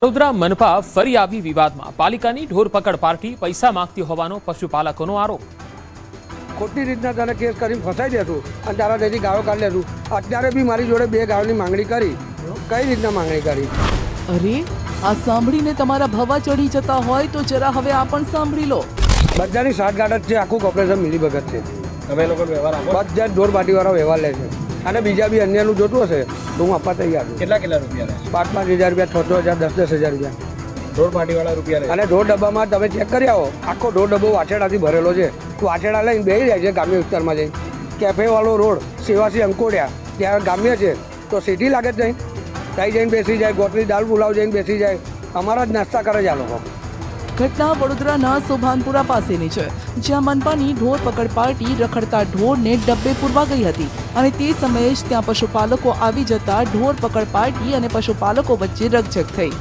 વડોદરા મનપા ફરી આવી વિવાદમાં પાલિકાની ઢોર પકડ પાર્ટી પૈસા માંગતી હોવાનો પશુપાલકોનો આરોપ। ખોટી રીતના તને કેસ કરીને ફસાઈ દેતું અને તારા તેથી ગાળો કાઢી લેતું। અત્યારે બી મારી જોડે 2 ગાળોની માંગણી કરી। કઈ રીતના માંગણી કરી? અરે આ સાંભળીને તમારા ભવા ચડી જતા હોય તો જરા હવે આ પણ સાંભળી લો। બધાની સાઠગાંઠ જ છે, આખું ઓપરેશન મિલીભગત છે। તમે લોકો વ્યવહાર આપો? બધા જ ઢોર પાર્ટીવાળા વ્યવહાર લે છે અને બીજા બી અન્યનું જોતું હશે તો હું આપવા તૈયાર છું। કેટલા રૂપિયા લે? 5,000 રૂપિયા, 6,000, 10,000 રૂપિયા ઢોર પાર્ટીવાળા રૂપિયા લે। અને ઢોર ડબ્બામાં તમે ચેક કરી આવો, આખો ઢોર ડબ્બો વાછેડાથી ભરેલો છે। વાછેડા લઈને બેસી જાય છે ગ્રામ્ય વિસ્તારમાં જઈને। કેફેવાળો રોડ સેવાસી અંકોડિયા ત્યાં ગ્રામ્ય છે તો સિટી લાગે જ નહીં, ત્યાં જઈને બેસી જાય। ગોટલી દાલ પુલાવ જઈને બેસી જાય, અમારા જ નાસ્તા કરે છે આ લોકો। ઘટના વડોદરાના સોભાનપુરા પાસેની છે, જ્યાં મનપાની ઢોર પકડ પાર્ટી રખડતા ઢોરને ડબ્બે પૂરવા ગઈ હતી અને તે સમયે જ ત્યાં પશુપાલકો આવી જતા ઢોર પકડ પાર્ટી અને પશુપાલકો વચ્ચે રકઝક થઈ।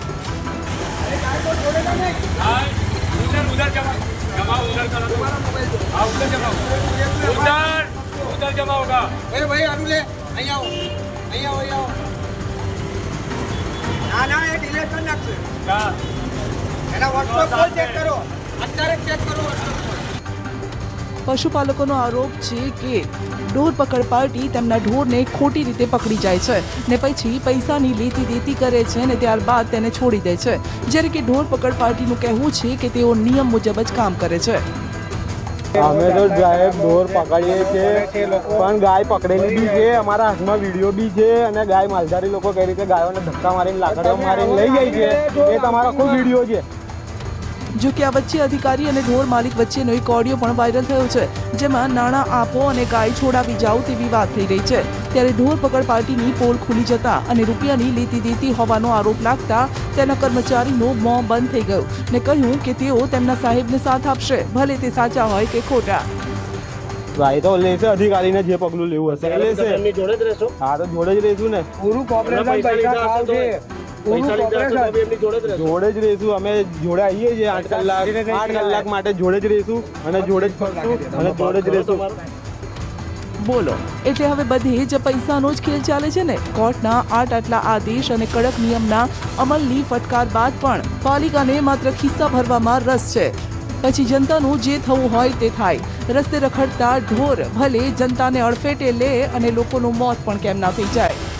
પશુપાલકોનો આરોપ છે કે ઢોર પકડ પાર્ટી તેમના ઢોરને ખોટી રીતે પકડી જાય છે ને પછી પૈસાની લેતી દેતી કરે છે અને ત્યારબાદ તેને છોડી દે છે, જ્યારે કે ઢોર પકડ પાર્ટીનું કહેવું છે કે તેઓ નિયમ મુજબ જ કામ કરે છે। અમે તો સાહેબ ઢોર પકડીએ છીએ પણ ગાય પકડેલી બી છે, અમારા હાથમાં વિડીયો બી છે અને ગાય માલધારી લોકો કઈ રીતે ગાયોને ધક્કા મારીને લાકડીઓ મારીને લઈ જાય છે એ તમારો ખૂબ વિડીયો છે। જો કે આ વચ્ચે અધિકારી અને ઢોર માલિક વચ્ચેનો એક ઓડિયો પણ વાયરલ થયો છે, જેમાં નાણાં આપો અને ગાય છોડાવી જાઓ તેવી વાત થઈ રહી છે। ત્યારે ઢોર પકડ પાર્ટીની પોલ ખુલી જતા અને રૂપિયાની લેતી દેતી હોવાનો આરોપ લાગતા તેના કર્મચારીનું મોં બંધ થઈ ગયું ને કહ્યું કે તેઓ તેમના સાહેબને સાથ આપશે, ભલે તે સાચા હોય કે ખોટા। ભાઈ તો લેશે, અધિકારીને જે પગલું લેવું હશે એ લેશે। જોડે જ રહેશો? હા તો જોડે જ રહીશું ને, પૂરું કોર્પોરેશન પૈસા ખાવ છે, પૂરું કોર્પોરેશન જોડે જ રહીશું। અમે જોડે આવીએ છીએ 8 કલાક માટે જોડે જ રહીશું અને જોડે જ ફરશું અને જોડે જ રહીશું। બોલો, એટલે હવે બધે જ પૈસાનો જ ખેલ ચાલે છે ને? કોર્ટના આટલા આદેશ અને કડક નિયમના અમલની ફટકાર બાદ પણ પાલિકાને માત્ર ખિસ્સા ભરવામાં રસ છે। પછી જનતાનું જે થવું હોય તે થાય। રસ્તે રખડતા ઢોર ભલે જનતાને અડફેટે લે અને લોકોનું મોત પણ કેમ ના થઈ જાય।